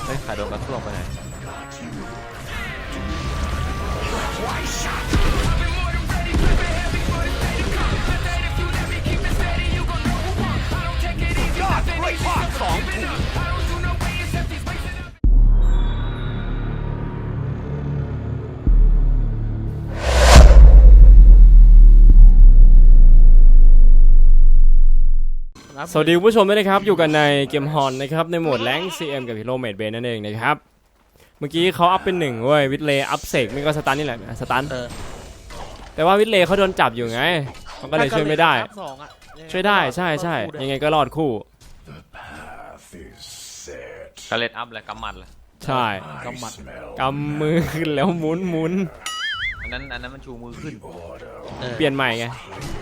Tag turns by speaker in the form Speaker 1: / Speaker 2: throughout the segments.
Speaker 1: เฮ้ยขาโดนกระท่วงไปไหนสวัสดีผู้ชมด้วยนะครับอยู่กันในเกมฮอนนะครับในโหมดแรงค์ CM กับฮีโร่เมดเบนนั่นเองนะครับเมื่อกี้เขาอัพเป็น1เว้ยวิทเลย์อัพเสกไม่ก็สตันนี่แหละสตันแต่ว่าวิทเลย์เขาโดนจับอยู่ไงมันก็เลยช่วยไม่ได้ช่วยได้ใช่ยังไงก็รอดคู่
Speaker 2: กระเล็ดอัพเลยกำมัดเลย
Speaker 1: ใช่กำมือขึ้นแล้วหมุน
Speaker 2: อันนั้นมันชูมือขึ้น
Speaker 1: เปลี่ยนใหม่ไง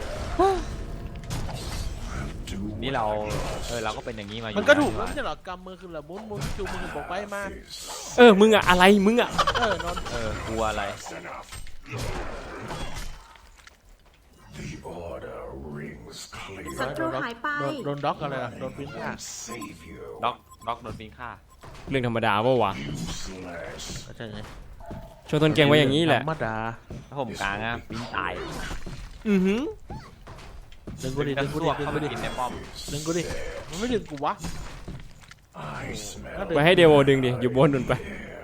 Speaker 2: นี่เราก็เป็นอย่างนี้มาอยู่
Speaker 3: มันก็ถูกแล้วไม่ใช่หรอกำมือขึ้นแล้วมุนจูมือบอกไปมา
Speaker 1: มึงอะอะไรมึงอะ
Speaker 3: นอน
Speaker 2: กลัวอะไร
Speaker 4: ศัตรูหายไป
Speaker 3: โดนด็อกอะไรโดนปิ้งฆ่า
Speaker 2: ด็อกโดนปิ้งฆ่า
Speaker 1: เรื่องธรรมดาป่าวะ
Speaker 3: ใช่ไง
Speaker 1: ช่วยต้นเก่งไว้อย่างนี้แหละ
Speaker 3: ธรรมดา
Speaker 2: ถ้าผมกลางอะปิ้งตาย
Speaker 3: ดึงกูดิ
Speaker 2: เข้าไปกินในป้อม
Speaker 3: ดึงกูดิมันไม่ดึงกูวะ
Speaker 1: ไปให้เดโวดึงดิอยู่บนนุ่นไป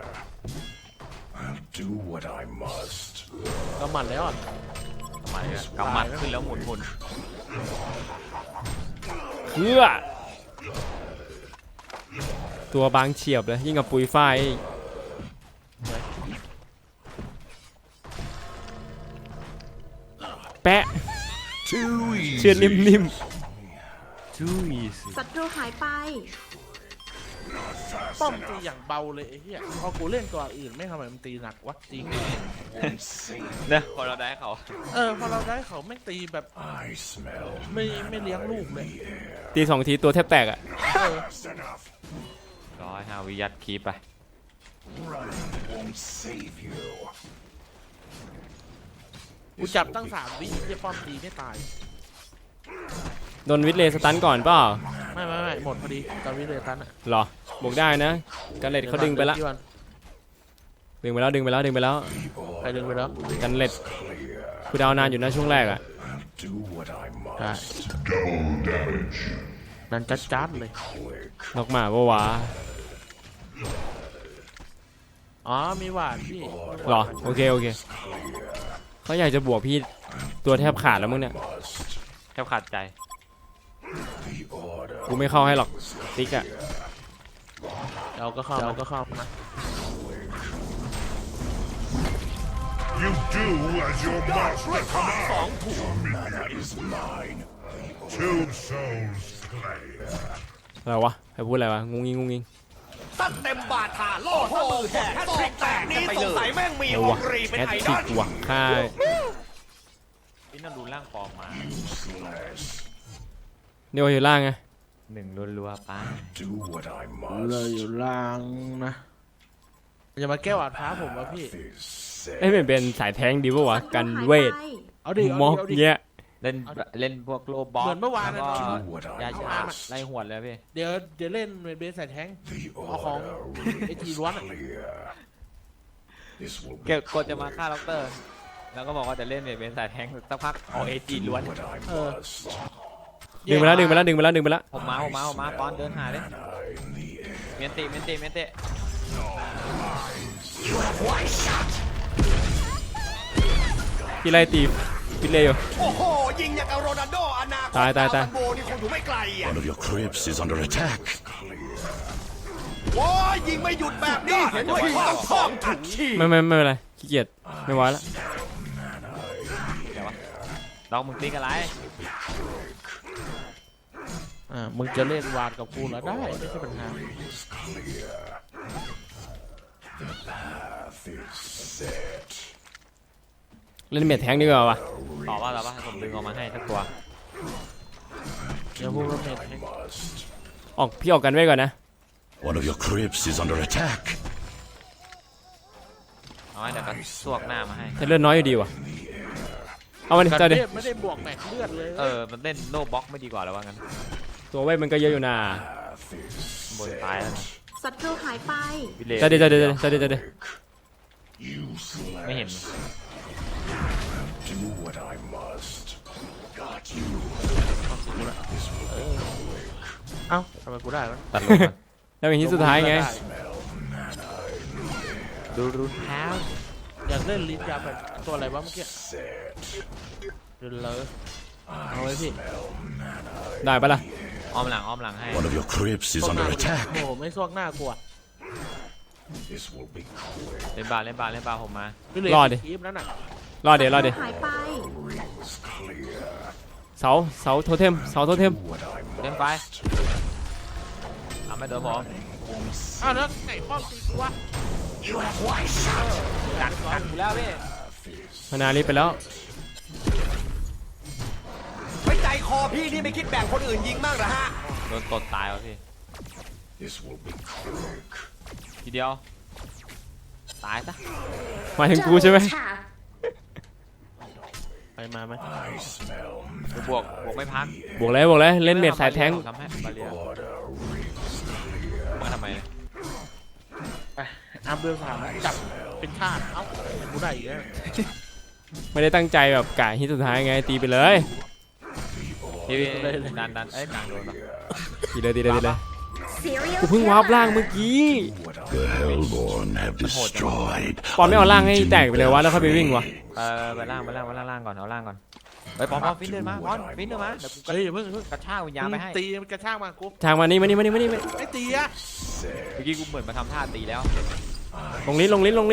Speaker 3: กำมัดแล้ว
Speaker 2: กำมัดขึ้นแล้วหมุน
Speaker 1: ตัวบางเฉียบเลยยิ่งกับปุยฝ้ายแปะเชือดนิ่ม
Speaker 4: ศัตรูหายไป
Speaker 3: ป้อมตีอย่างเบาเลยไอ้เหี้ยพอกูเล่นตัวอื่นไม่ทำไมมันตีหนักวะจริง
Speaker 2: เนี่ยพอเราได้เขา
Speaker 3: พอเราได้เขาไม่ตีแบบไม่เลี้ยงลูกเลย
Speaker 1: ตี2 ทีตัวแทบแตกอะ
Speaker 2: 105 วิยัดคีบไป
Speaker 3: กูจับตั้ง3 วิที่ป้อมตีไม่ตาย
Speaker 1: โดนวิทเลสตันก่อนเปล่า
Speaker 3: ไม่หมดพอดีตอนวิทเลสตันอะ
Speaker 1: หรอบวกได้นะกันเล็ดเขาดึงไปแล้วดึงไปแล้ว
Speaker 3: ใครดึงไปแล้ว
Speaker 1: กันเล็ดคือดาวนานอยู่นะช่วงแรกอะ
Speaker 3: ใช่นั่นจัดเลย
Speaker 1: นกหมาปะวะ
Speaker 3: มีหวานพี่
Speaker 1: หรอโอเคเขาอยากจะบวกพี่ตัวแทบขาดแล้วมึงเนี่ย
Speaker 2: แทบขาดใจ
Speaker 1: กูไม่เข้าให้หรอกติ๊กอะ
Speaker 3: เราก็เข้านะ
Speaker 5: You do as your master commands. Mana is mine. 2 souls slain.
Speaker 1: อะไรวะให้พูดอะไรวะงุ้งงิง
Speaker 6: ตั้งเต็มบาทาโล่มือแหกแฮตทริกแตกนี่สงสัยแม่งมีออกรีเป็นไอดอล
Speaker 1: ค่าย
Speaker 2: พี่นั่งดูล่างฟอร์มมา
Speaker 1: เดี๋ยวอยู่ล่างไง
Speaker 2: 1รัวๆป้า
Speaker 3: เลยอยู่ล่างนะอย่ามาแก้วอาดท้าผมวะพี่
Speaker 1: เป็นสายแทงดีป่าวะกันเวทมอกเงี้ย
Speaker 2: เล่นพวกโลบอส
Speaker 3: เหมือนเมื่อวานนะ
Speaker 2: ยาชาไล่หวดเลยพี่
Speaker 3: เดี๋ยวเล่นเบสใส่แทงเอาของไอจีล้วน
Speaker 2: เก็บกดจะมาฆ่าล็อกเตอร์แล้วก็บอกว่าจะเล่นเบสใส่แทงสักพักเอาเอจีล้วน
Speaker 1: ดึงไปแล้ว
Speaker 2: ผมมาปอนเดินหาเลยเมนติ
Speaker 1: ที่ไล่ตีพิเลยอยู่
Speaker 6: โอ้โหยิงอย่างกับโรนัลโดอนาคต
Speaker 1: ตาย
Speaker 6: โบนี่คงอยู่ไม่ไกลอ่ะ
Speaker 5: One of your crypts is under attack
Speaker 6: โอ้ยยิงไม่หยุดแบบนี้เห็นว่าต้องท้องอัดฉี่
Speaker 1: ไม่เป็นไรขี้เกียจไม่ไหวแล้ว
Speaker 2: ลองมึงตีกันไร
Speaker 3: มึงจะเล่นวาดกับกูแล้วได้ไม่ใช่ปัญหา
Speaker 1: เล่นเมทแทงดีกว่าวะ
Speaker 2: ต่อว่าผมดึงออกมาให้สักตัว
Speaker 3: เดี๋ยวพวกเราเมท
Speaker 1: พี่ออกกันไว้ก่อนนะ
Speaker 5: One of your crypts is under attack
Speaker 2: เอาไว้เดี๋ยวก็สวกหน้ามาให้
Speaker 1: แต่เลือดน้อยอยู่ดีวะเอามันเจอดิ
Speaker 3: ไม่ได้บวกแม็กเลือดเลย
Speaker 2: มันเล่นโนบ็อกไม่ดีกว่าหรอวะงั้น
Speaker 1: ตัวเว้ยมันก็เยอะอยู่นะ
Speaker 2: บนตายแล้ว
Speaker 4: ศัศัตรูหายไป
Speaker 2: วิเล
Speaker 1: จะเดี๋ยวจะเดี๋ยวจะเดี๋ยวจะเดี๋ยว
Speaker 5: Useless.
Speaker 2: ไม่เห็น
Speaker 5: Do what I must. Got you.
Speaker 3: เอ้าทำไมกูได้วะ
Speaker 2: ตัดลงมา
Speaker 1: แล้วอย่างนี้สุดท้ายไง
Speaker 2: ดูเท้า
Speaker 3: อยากเล่นลิ้นยาแบบตัวอะไรวะเมื่อกี้
Speaker 5: Set.
Speaker 3: เดินเลยเอาเลยพี่
Speaker 1: ได้ปะล่ะ
Speaker 2: อ้อมหลังให้
Speaker 5: One of your crypts is
Speaker 3: ส่วงหน้า
Speaker 5: under
Speaker 3: กู
Speaker 5: attack.
Speaker 3: โอ้โหไม่ส่วงหน้ากลัว
Speaker 5: This will be quick.
Speaker 2: เล่นบาสผมมา
Speaker 3: พี่เลย
Speaker 1: รอดิ
Speaker 3: คลิปนั้นน่ะ
Speaker 1: รอเดี๋ยว
Speaker 4: ศัตรูหายไป
Speaker 5: Rings clear.
Speaker 1: เสาโทเทมเสาโทเทม
Speaker 5: What I
Speaker 2: เล่นไป
Speaker 5: must.
Speaker 2: ทำไม่โดนผม
Speaker 3: อ้าวแล้วไก่ป้อมตีกูวะ
Speaker 2: กัดกูแล้วพี่
Speaker 1: มานาลิไปแล้ว
Speaker 6: ไม่ใจคอพี่นี่ไม่คิดแบ่งคนอื่นยิงบ้างเหรอฮะ
Speaker 2: โดนตดตายวะพี่
Speaker 5: This will be quick.
Speaker 2: ทีเดียวตายซะ
Speaker 1: หมายถึงกูใช่ไหม
Speaker 3: ไปมาไหม
Speaker 5: I smell
Speaker 2: บวกไม่พัก
Speaker 1: บวกเลยเล่นเมดสายแทงค์
Speaker 2: ทำให้บาเรีย
Speaker 5: order. Rings clear.
Speaker 2: มาทำไม
Speaker 3: ไปอัพเดือนสามจับเป็นชาติเอ้ากูได้อีกแล้ว
Speaker 1: ไม่ได้ตั้งใจแบบกะฮิตสุดท้ายไงตีไปเลย
Speaker 2: พี่ดันเอ้ยกลางโดนปะ
Speaker 1: ตีเลยกูเพิ่งวาร์ปล่างเมื่อกี้
Speaker 5: The Hellborn have destroyed.
Speaker 1: ปอนไม่เอาล่างให้แตกไปเลยวะแล้วค่อยไปวิ่งวะ
Speaker 2: ไปล่างก่อนเอาล่างก่อนไปปอนฟินเดินมาปอนฟินเดินมาเดี๋ยวกู
Speaker 3: เฮ้ยอย่าเพิ่ง
Speaker 2: กระชากวิญญาณไปให้
Speaker 3: ตีมันกระชากมากู
Speaker 1: ทางมานี่
Speaker 3: ไม่ตีอะ
Speaker 2: เมื่อกี้กูเหมือนมาทำท่าตีแล้ว
Speaker 1: ลงลิ้น
Speaker 5: Do what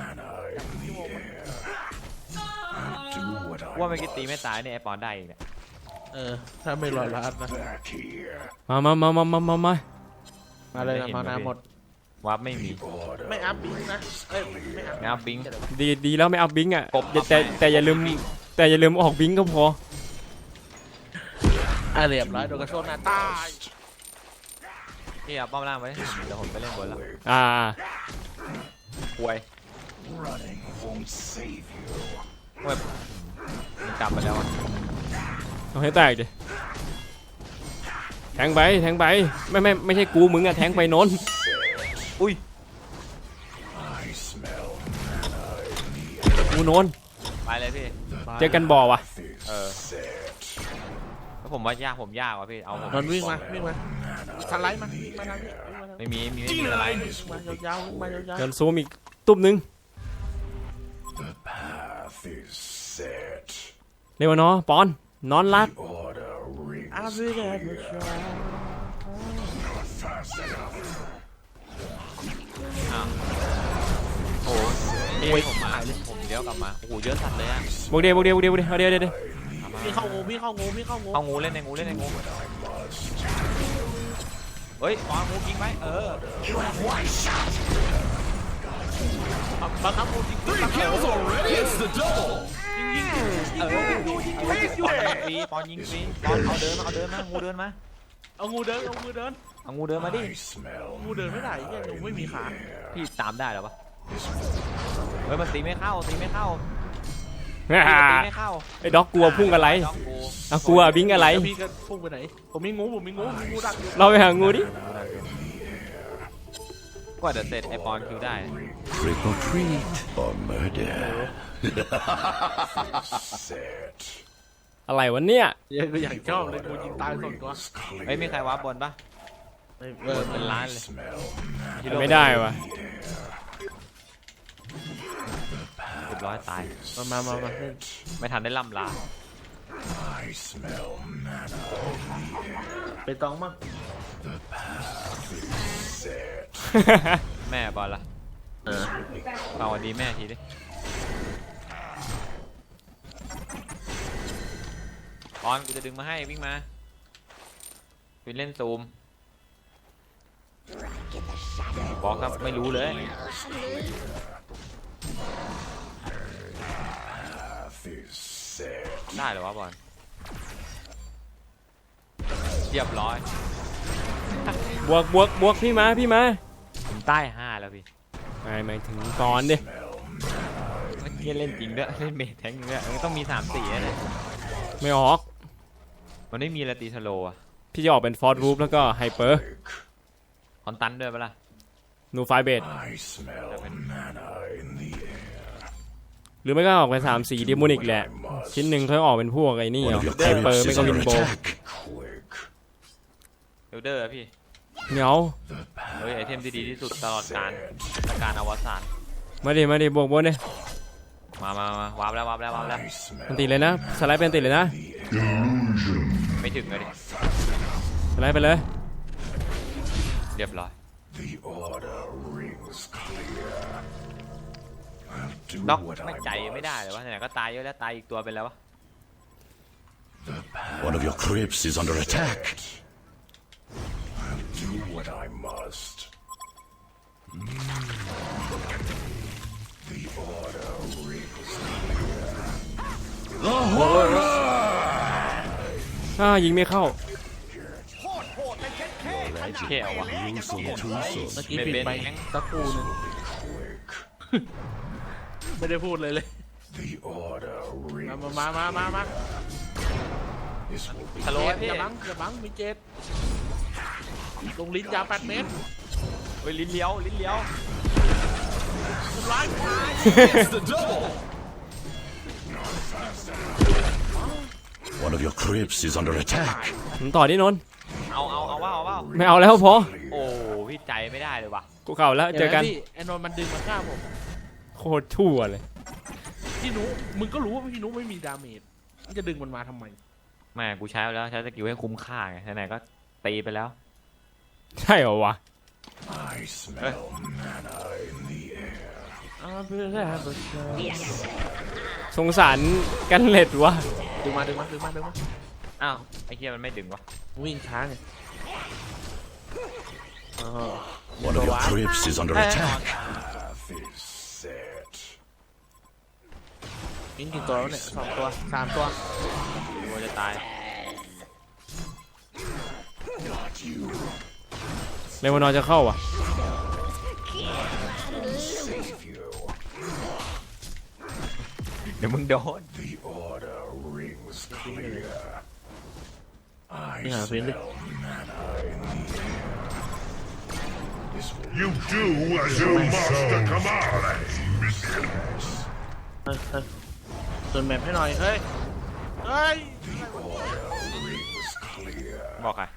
Speaker 5: I
Speaker 2: ว่าเมื่อกี้ตีไม่ตายเนี่ยไอปอนได้อีกเนี่ย
Speaker 3: ถ้าไม่รอรัดนะ
Speaker 5: back here.
Speaker 1: มา
Speaker 3: มาเลยนะมานาหมด
Speaker 2: วาร์ปไม่มี
Speaker 5: Order.
Speaker 3: ไม่อัพบิงนะเอ้ยไม่อัพ
Speaker 2: ไม่อัพบิง
Speaker 1: ดีแล้วไม่เอาบิงอ่ะ
Speaker 2: กบ
Speaker 1: แต่อย่าลืมออกบิงก็พอ
Speaker 3: เรียบร้อยโดนกระโชนหน้าตาย
Speaker 2: พี่เอาป้อมล่างไปเดี๋ยวผมไปเล่นบนแล้ว
Speaker 1: อ่า
Speaker 2: ป่วย
Speaker 5: Running won't save you.
Speaker 2: มันกลับไปแล้วอะ
Speaker 1: เอาให้แตกดิแทงไปไม่ใช่กูมึงอะแทงไปโน้น
Speaker 2: อุ้ย
Speaker 5: I smell
Speaker 1: กูโน้น
Speaker 2: ไปเลยพี่
Speaker 1: เจอกันบ่อวะ
Speaker 2: เออ
Speaker 5: set.
Speaker 2: แล้วผมว่ายากว่ะพี่เอาผม
Speaker 3: นนวิ่งมาสไลด์มาวิ่งมาทางนี้วิ่งมาทางนี้
Speaker 2: ไม่มีอะไร
Speaker 3: วิ่งมายาวๆวิ่งมายาว
Speaker 1: เดินซูมอีกตุ้มนึง
Speaker 5: The path is set.
Speaker 1: เร็วเนาะปอนนอนรัก
Speaker 5: Order rings
Speaker 3: ๆอาวิเดนชา
Speaker 5: fast enough.
Speaker 2: อ้าวโอ้โหผมมาผมเลี้ยวกลับมาโอ้โหเยอะสัตว์เลยอะ
Speaker 1: บวกเดียวเอาเดี๋ยว
Speaker 3: พี่เข้างู
Speaker 2: เอางูเล่นในงูเฮ้ยปอนงูยิงไป
Speaker 3: บังคับงูจริงๆบังคับงู
Speaker 2: ปอนยิงฟรีปอนเอาเดินมางูเดินมา
Speaker 3: เอางูเดิน
Speaker 2: เอางูเดินมาดิ
Speaker 5: I smell
Speaker 3: งูเดินไม่ได้เนี่ยงูไม่มีขา
Speaker 2: พี่ตามได้เหรอวะเฮ้ยมันตีไม่เข้า
Speaker 1: อ่า
Speaker 2: ตีไม่เข้า
Speaker 1: ไอ้ด็อกกลัวพุ่งอะไร
Speaker 2: ด็อกกู
Speaker 1: เอากลัวบิงอะไร
Speaker 3: พี่ก็พุ่งไปไหนผมมีงูดักอยู่
Speaker 1: เราไปหางูดิ
Speaker 2: กว่าจะเสร็จไอปอนคิวได้
Speaker 5: trick or treat or murder. Set.
Speaker 1: อะไรวะเนี่ย
Speaker 3: ยังก็อย่างชอบเลยงูยิงตายสองตัว
Speaker 2: เฮ้ยมีใครวาร์ปบนปะ เป็นล้านเลย
Speaker 5: Smell
Speaker 1: ไม่ได้วะ
Speaker 2: เรียบร้อยตาย
Speaker 3: มา
Speaker 2: ไม่ทันได้ล่ำลา
Speaker 5: I smell
Speaker 3: ไปตองมั่ง
Speaker 5: set.
Speaker 2: แม่บอลละเอาวันดีแม่ทีดิบอลกูจะดึงมาให้วิ่งมาวินเล่นซูมบอกครับไม่รู้เลย
Speaker 5: Path is set.
Speaker 2: ได้เหรอวะบอลเรียบร้อย
Speaker 1: บวกพี่มา
Speaker 2: ผมใต้5แล้วพี่
Speaker 1: หมายถึงตอนดิ
Speaker 2: เมื่อกี้เล่นจริงด้วยเล่นเมทแทงค์ด้วยมันต้องมี3-4เลย
Speaker 1: ไม่ออก
Speaker 2: มันไม่มีละตีสโลอะ
Speaker 1: พี่จะออกเป็นฟอร์ดรูฟแล้วก็ไฮเปอร์
Speaker 2: คอนตันด้วยปะล่ะ
Speaker 1: นูไฟเบด
Speaker 5: I smell mana in the air.
Speaker 1: หรือไม่ก็ออกเป็น3สีดิโมนิกแหละชิ้นหนึ่งค่อยออกเป็นพวกไอ้นี่
Speaker 5: One
Speaker 1: เหรอ
Speaker 5: of your
Speaker 1: ไฮเปอร์
Speaker 5: crypts
Speaker 1: ไม่
Speaker 5: is
Speaker 1: ก็วิ
Speaker 5: under
Speaker 1: นโบ
Speaker 5: attack. Quick.
Speaker 2: เอลเดอร์พี่
Speaker 1: เหนียว
Speaker 2: เฮ้ยไอเทมที่ดีที่สุดตลอดการอวสาน
Speaker 1: มาดิบวกบนเนี่ย
Speaker 2: มาวาร์ปแล้ว
Speaker 5: I
Speaker 1: มันติด
Speaker 5: smell
Speaker 1: เลยนะสไลด์เป็นติดเลยนะ
Speaker 2: ไม่ถึงเลยดิ
Speaker 1: สไลด์ไปเลย
Speaker 2: เรียบร้อย
Speaker 5: the order rings clear. I'll do
Speaker 2: ด็อก
Speaker 5: what
Speaker 2: ไม่
Speaker 5: I
Speaker 2: ใจไม่ได้เลยวะ
Speaker 5: must.
Speaker 2: ไหนๆก็ตายเยอะแล้วตายอีกตัวเป็นแล้ววะ
Speaker 5: One of your crypts is under attack. I'll do what I must. The order rings clear.
Speaker 1: ยิงไม่เข้า
Speaker 2: แค่เอาวะ
Speaker 3: เมื่อกี้ปิดไป
Speaker 2: เบน
Speaker 3: สักครู่หนึง
Speaker 5: Quick.
Speaker 3: ไม่ได้พูดเลย
Speaker 5: The order rings
Speaker 3: มา
Speaker 5: This will be
Speaker 2: สโล
Speaker 3: เจ็
Speaker 2: ว์
Speaker 3: ด
Speaker 2: พี่
Speaker 3: อย่าบังมีเจ็ดลงลิ้นยาว8 เมตร
Speaker 2: เฮ้ยลิ้นเลี้ยว
Speaker 3: ร้าย
Speaker 5: One of your crypts is under attack.
Speaker 1: ผมต่อที่นนท์
Speaker 2: เอาว่า
Speaker 1: ไม่เอาแล้วพอ
Speaker 2: โอ้พี่ใจไม่ได้เลยว่ะ
Speaker 1: กูเข่าแล้วเจอกัน
Speaker 3: พี่ไอ้นนท์มันดึงมาฆ่าผม
Speaker 1: โคตรชั่วเลย
Speaker 3: พี่นุมึงก็รู้ว่าพี่นุไม่มีดาเมจมันจะดึงมันมาทำไม
Speaker 2: แม่กูใช้ไปแล้วใช้สกิลให้คุ้มค่าไงไหนๆก็ตีไปแล้ว
Speaker 1: ใช่เหรอวะ
Speaker 5: I smell mana in the air.
Speaker 1: สงสารกันเล็ดวะ
Speaker 3: ดึงมา
Speaker 2: อ้าวไอ้เหี้ยมันไม่ดึงวะ
Speaker 3: วิ่งช้าไง
Speaker 5: One of your
Speaker 3: What?
Speaker 5: crypts is under attack. Path is set.
Speaker 3: วิ่งกี่ตัวแล้วเนี่ย2 ตัว 3 ตัว
Speaker 2: กูจะตาย
Speaker 5: Not you.
Speaker 1: เลวานอร์จะเข้าอ่ะ
Speaker 5: Save you.
Speaker 2: เดี๋ยวมึงโดน
Speaker 5: The order rings clear. I
Speaker 3: Yeah, really.
Speaker 5: smell mana in the air. This will
Speaker 7: You do as your master commands.
Speaker 3: ส่วนแมปให้หน่อย เฮ้ย
Speaker 5: rings clear.
Speaker 2: บอกใคร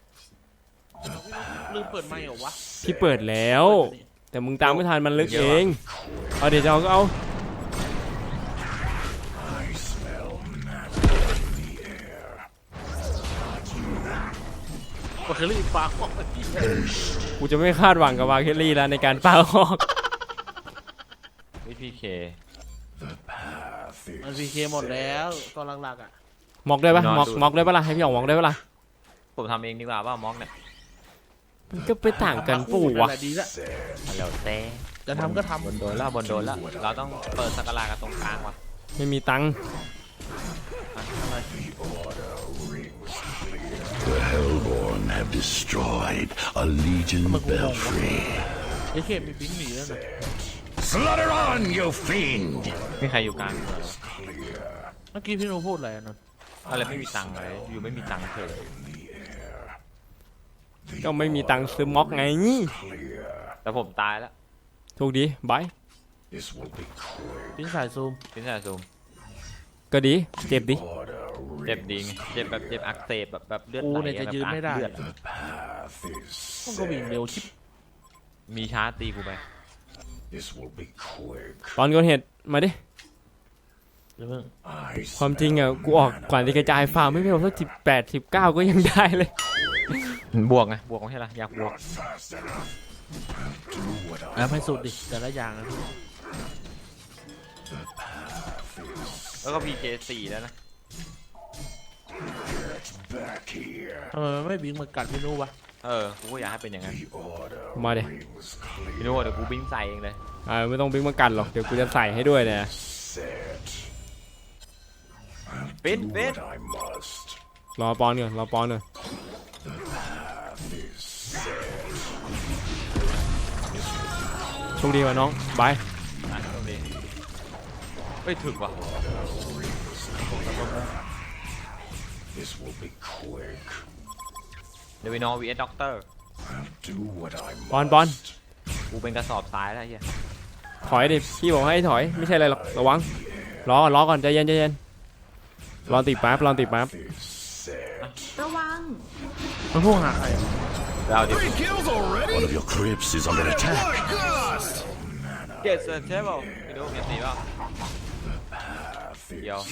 Speaker 3: ลืมเปิดไมค์เหรอวะ
Speaker 1: ที่เปิดแล้ว แต่มึงตามไม่ทันมันลึกเองเอาเดี๋ยวจะเอาก็เอา
Speaker 5: I smell mana in the air.
Speaker 3: วาเคอรี่ปากออกไปที่
Speaker 1: กูจะไม่คาดหวังกับวาเคลลี่แล้วในการปาออก
Speaker 2: วิพีเค
Speaker 5: The path
Speaker 3: มัน
Speaker 5: is
Speaker 3: พีเคหมดแล้วตอนหลักๆอ่ะ
Speaker 1: มอกได้ปะ
Speaker 2: นอน
Speaker 1: มอก
Speaker 2: ดู
Speaker 1: มอกได้ปะล่ะให้พี่อ๋องมอกได้ปะล่ะ
Speaker 2: ผมทำเองดีกว่าว่ามองเนี่ย
Speaker 1: มันก็ไปต่างกันปู่วะ
Speaker 3: นั่นแหลดีละ
Speaker 2: ฮัลโหลเต้
Speaker 3: จะทำก็ท
Speaker 2: บนโดนแล้วเราต้องเปิดสักการะกันตรงกลางว่ะ
Speaker 1: ไม่มีตังค์
Speaker 5: The Hellborn have destroyed a Legion belfry.
Speaker 3: ำไอ้เคมีบิงหนีแล้วนะ
Speaker 5: Slaughter on, you fiend!
Speaker 2: ไม่มีใครอยู่กลางเลย
Speaker 3: เมื่อกี้พี่นุพูดอะไรอะนนท์
Speaker 2: อะไรไม่มีตังค์เลยอยู่ไม่มีตังค์เฉย
Speaker 1: ก็ไม่มีตังค์ซื้อมอกไง
Speaker 5: Clear.
Speaker 2: แต่ผมตายแล้ว
Speaker 1: โชคดีบาย
Speaker 5: This will be quick.
Speaker 3: ปิ้งสายซูม
Speaker 2: พินซาซูม
Speaker 1: ก็ดีเจ็บดิ
Speaker 5: Order
Speaker 2: เจ็บ
Speaker 5: rings.
Speaker 2: ดีไงเจ็บแบบเจ็บอักเสบแบบเลือด
Speaker 3: กู
Speaker 2: ไหล
Speaker 3: เนี่ยจะ
Speaker 2: แบบ
Speaker 3: ยืนไม่ได้
Speaker 2: เลือด
Speaker 5: The path is
Speaker 3: มันก็วิ่ง
Speaker 5: set.
Speaker 3: เร็วชิบ
Speaker 2: มีช้าตีกูไป
Speaker 5: This will be quick.
Speaker 1: ตอนเกิดเหตุมาดิ
Speaker 3: เดี๋ยวเพิ่ง
Speaker 5: I
Speaker 1: ความจริงอ่ะ กูออกก่อนจะกระจายฟาร์มไม่เป็นสัก18-19ก็ยังได้เลย
Speaker 2: บวกไงบวกไม่ใช่หรออยากบวก
Speaker 5: fast enough. Do what I
Speaker 3: แล้วให้สุดดิแต่ละอย่างนะพี่
Speaker 2: แล้วก็พีเค4แล้วนะ
Speaker 5: back here.
Speaker 3: ทำไมมันไม่บิงมากัดพี่นุวะ
Speaker 2: กูก็อยากให้เป็นอย่างนั้น
Speaker 5: The order
Speaker 1: มาดิ
Speaker 5: rings clear.
Speaker 2: พี่รู้ว่าเดี๋ยวกูบิ้งใส่เองเลย
Speaker 1: ไม่ต้องบิ๊กมากันหรอก เดี๋ยวกูจะใส่ให้ด้วยเนี่ย
Speaker 5: Set. I'll
Speaker 2: Bin,
Speaker 5: do
Speaker 2: bin.
Speaker 5: what I must.
Speaker 1: รอปอนก่อนรอปอนก่อน
Speaker 5: Path is set.
Speaker 1: โชคดีว่ะน้องบาย
Speaker 2: อ่ะตรงนี้เฮ้ยถึกว่ะ
Speaker 5: This will be quick.
Speaker 2: เดวินอวีเอสด็อกเตอร์
Speaker 5: I'll do what I
Speaker 1: ปอนปอน
Speaker 5: must.
Speaker 2: กูเป็นกระสอบทรายแล้วไอ้เหี้ย
Speaker 1: ถอยดิพี่บอกให้ถอยไม่ใช่อะไรหรอกระวังรอก่อนใจเย็นรอติดแป๊บ
Speaker 4: ระวัง
Speaker 3: มันพุ่งหาใคร
Speaker 2: เราดิ
Speaker 6: Three kills already?
Speaker 7: One of your crypts is under attack.
Speaker 6: Ghost!
Speaker 2: เกตเซอร์ใช่เปล่าไปดูเมียตีเปล่าเดี๋ยว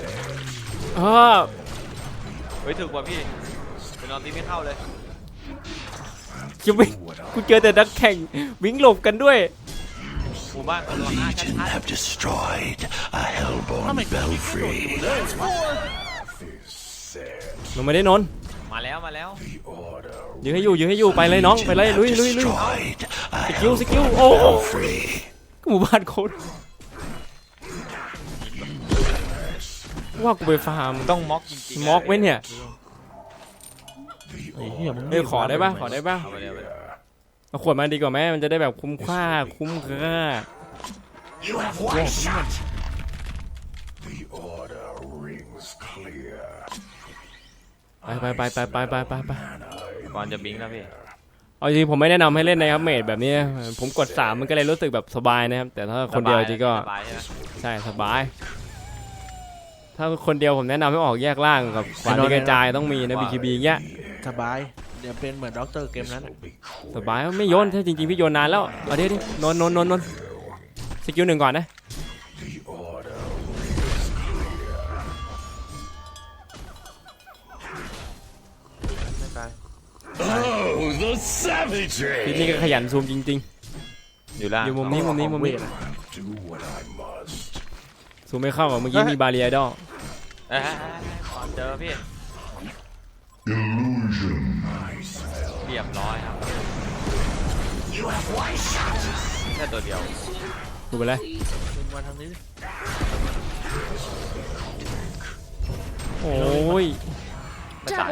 Speaker 2: เฮ้ยถึกว่ะพี่ไปนอนตีไม่เข้าเลย
Speaker 1: จะวิ่งกูเจอแต่นักแข่งวิ่งหลบกันด้วย
Speaker 2: หมู่บ้านคนรวมห้าชั
Speaker 7: Legion
Speaker 2: ด
Speaker 7: have destroyed a hellborn belfry.
Speaker 1: มันไม่ได้นอน
Speaker 2: ๆมาแล้ว
Speaker 1: ยื้อให้อยู่ไปเลยน้องไปเลยลุย
Speaker 7: Destroyed a
Speaker 1: สกิลโอ้
Speaker 7: belfry.
Speaker 1: หมู่บ้านโคตรว่ากูไปฟาร์ม
Speaker 2: ต้องม็อกจริงๆ
Speaker 1: ม็อกไว้เนี่ย
Speaker 3: ไอ้เหี้ยมึง
Speaker 1: เอ้ยขอได้ป่ะ
Speaker 2: เอาไปเลย
Speaker 1: เอาขวดมาดีกว่าไหมมันจะได้แบบคุ้มค่า
Speaker 7: You have one shot.
Speaker 5: The order rings clear.
Speaker 1: ไป
Speaker 2: ก่อนจะบิงแล้วพี่
Speaker 1: เอาจริงผมไม่แนะนำให้เล่นนะครับเมดแบบนี้ผมกด3มันก็เลยรู้สึกแบบสบายนะครับแต่ถ้าคนเดียวจริงก็
Speaker 2: สบายใช่ไหม
Speaker 1: ใช่สบาย ถ้าคนเดียวผมแนะนำให้ออกแยกล่างกับขวานที่กระจายต้องมีนะ BKB อย่างเงี้ย
Speaker 3: สบายเดี๋ยวเป็นเหมือนด็อกเตอร์เกมนั้น
Speaker 1: สบายไม่โยนถ้าจริงๆพี่โยนนานแล้วเอาดินนสกิล1ก่อนนะ
Speaker 3: ไม่ตาย
Speaker 7: Oh, the
Speaker 1: พี่นี่
Speaker 7: savagery!
Speaker 1: ก็ขยันซูมจริง
Speaker 2: อยู่ล่าง
Speaker 1: ๆอยู่มุมนี้
Speaker 5: Do what I must.
Speaker 1: ซูมไม่เข้าอ่ะเมื่อกี้มีบาเรียดอ
Speaker 2: ก่อนเจอพี่
Speaker 7: Illusion.
Speaker 2: เรียบร้อยครับแค่ตัวเดียว
Speaker 1: ดูไปเลย
Speaker 3: มึงมาทางนี้ดิ
Speaker 1: โอ้ย
Speaker 2: ไม่ตาย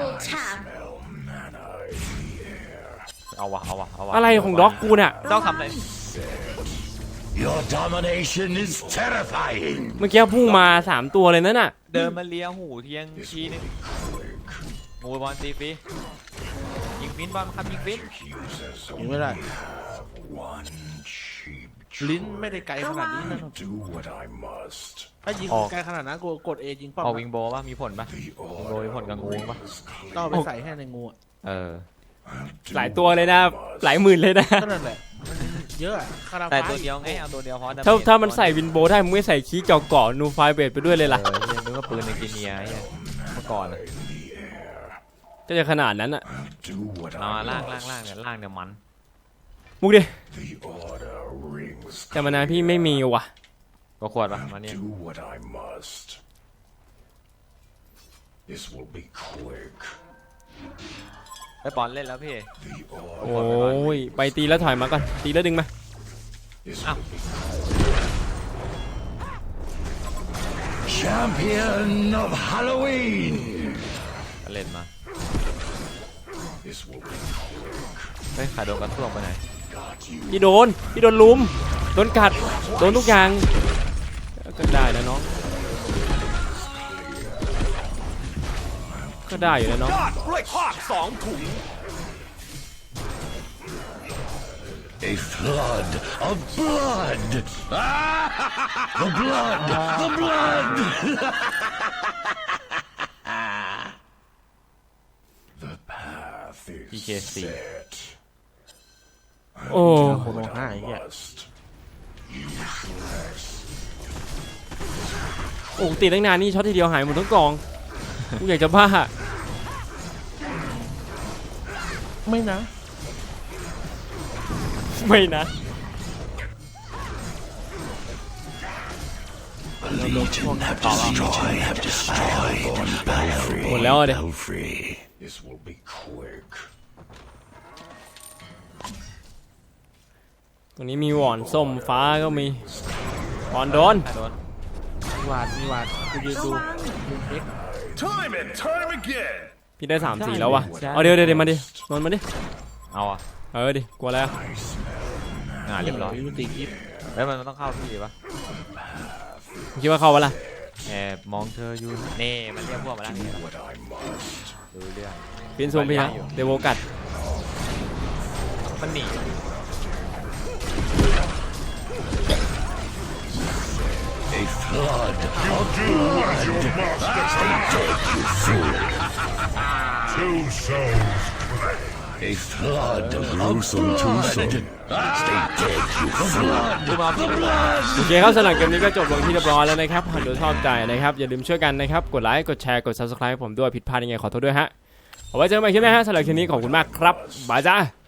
Speaker 2: เอาวะ
Speaker 1: อะไรของด็อกกูน่ะ
Speaker 2: ต้องทำอะไร
Speaker 7: Your domination is terrifying.
Speaker 1: เมื่อกี้พุ่งมา3ตัวเลยนั่นน่ะ
Speaker 2: เดินมาเลียหูเทียงทีนึงงูบอลตีฟรียิงฟินบอลครับยิงฟิน
Speaker 3: ยิงไม่ได้
Speaker 5: One cheap
Speaker 3: ลิ้นไม่ได้ไกลขนาดนี้นะ
Speaker 5: do what I must.
Speaker 3: ถ้ายิงไกลขนาดนั้นกูกด A ยิงเป้า
Speaker 2: เอาวิงโบป่ะมีผลป่ะ
Speaker 5: The
Speaker 2: วิงโบ
Speaker 5: order
Speaker 2: มีผลกับงูป่ะ
Speaker 3: ต้องเอาไปใส่ให้ในงูอะ
Speaker 2: เออ
Speaker 1: หลายตัวเลยนะหลายหมื่นเลยนะ
Speaker 3: ก็นั่นแหละมันเยอะอะคารา
Speaker 2: แต่
Speaker 3: ฟ้า
Speaker 2: ตัวเดียวไงเอาตัวเดียวพอ
Speaker 1: ถ้ามันใส่วินโบได้มึงไม่ใส่คีย์เจาะเกาะนูไฟเบดไปด้วยเลยล่ะ
Speaker 2: เฮียนึกว่าปืนในกิเนียไอ้เหี้ยเมื่อก่อนอะ
Speaker 1: ก็จะขนาดนั้นอ่ะ
Speaker 5: do what
Speaker 2: เอา
Speaker 5: I
Speaker 2: ล่าง
Speaker 5: must.
Speaker 2: เนี่ยมัน
Speaker 1: มุกดิ
Speaker 5: The order rings
Speaker 1: แต่มานานพี่ไม่มีว่ะ
Speaker 2: ก็ขวดป่ะมาเนี่ย
Speaker 5: do what I must. This will be quick.
Speaker 2: ไปบอลเล่นแล้วพี่
Speaker 5: The
Speaker 1: โอ
Speaker 5: order
Speaker 1: ้ยไปตีแล้วถอยมาก่อนตีแล้วดึงมา
Speaker 5: this
Speaker 2: Ah.
Speaker 5: will be
Speaker 7: Champion of Halloween.
Speaker 2: ก็เล่นมา
Speaker 5: this will be
Speaker 2: เฮ้ยขาโดนกระท่วงไปไหน
Speaker 1: พี่โดนลุมโดนกัดโดนทุกอย่างก็ได้นะน้องก็ได้อยู่นะน้อง
Speaker 6: ยอดกล้วยทอด2 ถุง
Speaker 7: A flood of blood. The blood. The blood.
Speaker 5: the path is
Speaker 2: PKC.
Speaker 5: set.
Speaker 1: โอ้
Speaker 3: โคโนห้าไอ้เหี้ย
Speaker 5: Must
Speaker 1: โอ้ตีตั้งนานนี่ช็อตทีเดียวหายหมดทั้งกองกูอยากจะบ้า
Speaker 3: ไม่นะ
Speaker 1: ไม่นะ
Speaker 7: The Legion have destroyed a hellborn
Speaker 1: หมดแล้วอะเดี๋ยว
Speaker 7: belfry.
Speaker 5: this will be quick.
Speaker 1: ตรงนี้มีหวอนส้มฟ้าก็มีหวอนโดน
Speaker 2: โดน
Speaker 3: มีวาดกูยืนดูมุมเอ็ก
Speaker 6: Time and time again
Speaker 1: พี่ได้3-4แล้ววะเอาเดี๋ยวมาดินนมาดิ
Speaker 2: เอาอ่ะ
Speaker 1: ดิกลัวแล้ว
Speaker 2: เรียบร้อย
Speaker 3: วิวตีกิฟ
Speaker 2: แล้วมันต้องเข้าพี่ปะ
Speaker 1: มึงคิดว่าเข้าวะล่ะ
Speaker 2: แอบมองเธออยู่นี่มันเรียกพวกมาแล้วนี่
Speaker 5: What I must.
Speaker 2: ดูเรื่อง
Speaker 1: ฟินซูมพี่นะเดโวกัด
Speaker 2: มันหนี
Speaker 7: A flood of
Speaker 5: Do as your master commands. Two souls claim.
Speaker 7: a flood of gruesome twosome. Stay dead, you flood.
Speaker 2: ดูมาพี่
Speaker 1: โอเคครับสำหรับเกมนี้ก็จบลงที่เรียบร้อยแล้วนะครับหากดูชอบใจนะครับอย่าลืมช่วยกันนะครับกดไลค์กดแชร์กด subscribe ให้ผมด้วยผิดพลาดยังไงขอโทษด้วยฮะเอาไว้เจอกันใหม่คลิปหน้าฮะสำหรับคลิปนี้ขอบคุณมากครับบายจ้า